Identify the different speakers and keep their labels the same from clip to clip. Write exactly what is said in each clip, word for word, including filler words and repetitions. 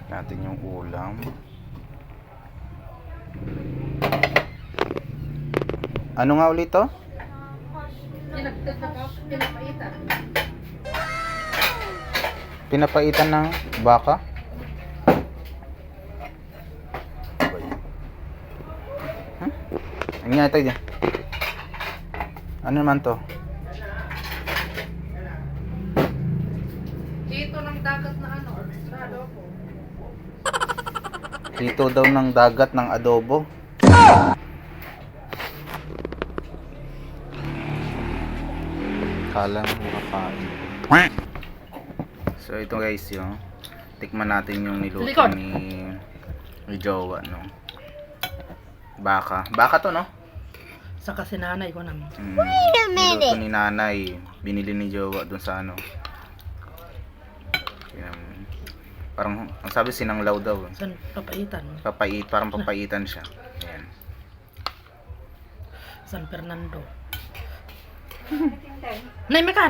Speaker 1: natin yung ulam. Ano nga ulit to?
Speaker 2: Pinapaitan.
Speaker 1: Pinapaitan ng baka? Huh? Ano nga ito dyan? Ano naman to?
Speaker 2: Dito ng dagat na ano, na adobo.
Speaker 1: Dito daw ng dagat ng adobo. Kala mo makakain. So ito guys yung tikman natin yung niluto
Speaker 2: Likod.
Speaker 1: ni ni Jowa, no? Baka. Baka to, no?
Speaker 2: Sa kasi nanay ko naman.
Speaker 1: Mm, niluto ni nanay. Binili ni Jowa dun sa ano. Yan. Parang ang sabi sinanglaw daw.
Speaker 2: San papaitan?
Speaker 1: Papait, parang papaitan siya. Ayan.
Speaker 2: San Fernando. Nay makan.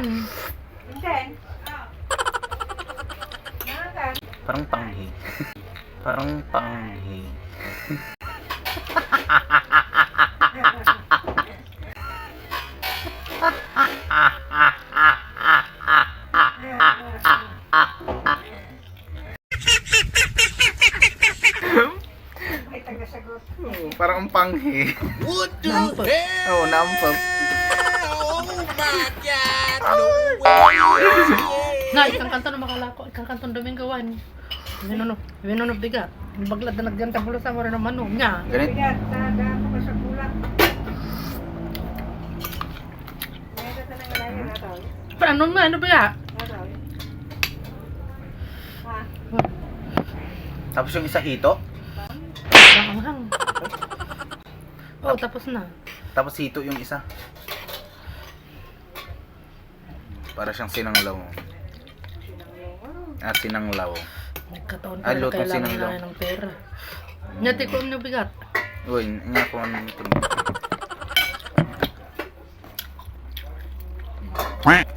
Speaker 1: Parang panghi. Parang panghi. Oh, parang ang panghi.
Speaker 3: What the
Speaker 2: Nampot.
Speaker 3: hell?
Speaker 1: Oo, oh, nampap.
Speaker 3: Oh my God! No way!
Speaker 2: Nay, ikang kanto na makalako. Ikang kanto Domingoan. Winono, winono biga. Baglad na nagdiyan tabulo sa mura ng manong niya.
Speaker 1: Ganit.
Speaker 2: Paano mo? Ano ba ya?
Speaker 1: Tapos yung isa hito.
Speaker 2: Maanghang. Oh, tapos na.
Speaker 1: Tapos hito yung isa. Para siyang sinanglaw. Ah, sinanglaw.
Speaker 2: Nagkataon
Speaker 1: Ay,
Speaker 2: pa na
Speaker 1: lutong
Speaker 2: kailangan
Speaker 1: sinanglaw.
Speaker 2: na ng pera. Nyati ko ang bigat.
Speaker 1: Uy, nga ko ang tingin.